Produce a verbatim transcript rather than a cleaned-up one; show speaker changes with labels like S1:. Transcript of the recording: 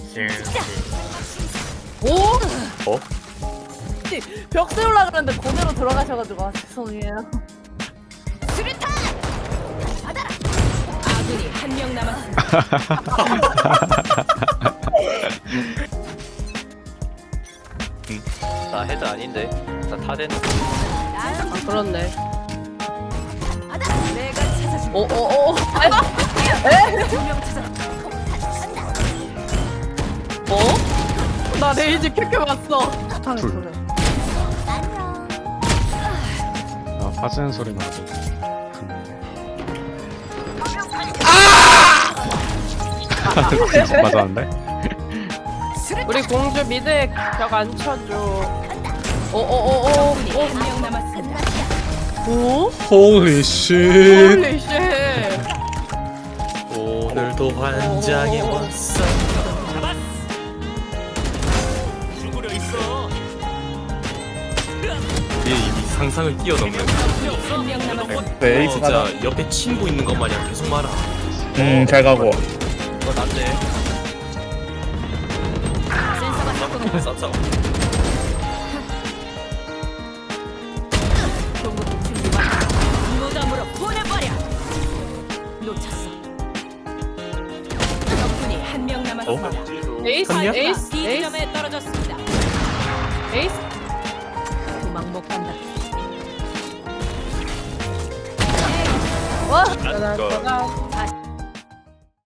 S1: 오?
S2: 어?
S1: 벽 세우려 그랬는데 그대로 들어가셔가지고 아, 죄송해요.
S3: 수류탄! 받아라! 아군이 한 명 남았습니다.
S2: 나 헤드 아닌데. 나 타덴.
S1: 아 그렇네.
S3: 받아라! 내가 찾아준
S1: 오오오.
S3: 두명 찾아.
S1: 어? 나 레이지 켜켜 봤어. 탄을
S4: 둘.
S1: 그래.
S4: 아 빠지는 소리 나고 갔는데. 아! 맞았는데?
S1: 우리 공주 미드에 벽 안 쳐줘. 오오오오.
S3: 아군이 한 명 남았습니다.
S1: 오?
S4: 홀리 쉣.
S1: 홀리 쉣.
S2: 오늘도 환장해 왔어.
S5: 죽으려 있어.
S2: 얘 이미 상상을 뛰어넘는.
S3: 한 명 남았습니다.
S5: 네,
S2: 어,
S5: 에이스
S2: 진짜
S5: 가자.
S2: 옆에 친구 있는 것 마냥 계속 말아.
S5: 음, 잘 가고.
S2: 이거 난데.
S3: 센서가 작동한다.
S2: 쌌어.
S3: 공급 준비 완료. 무덤으로 보내버려. 놓쳤어. 적군이 한 명 남았습니다.
S1: 에이스
S2: 갔냐?
S1: 에이스 에이스
S3: B지점에 떨어졌습니다.
S1: 에이스.
S3: 도망 못 간다.
S1: 와.
S2: 이거.
S1: 짜잔.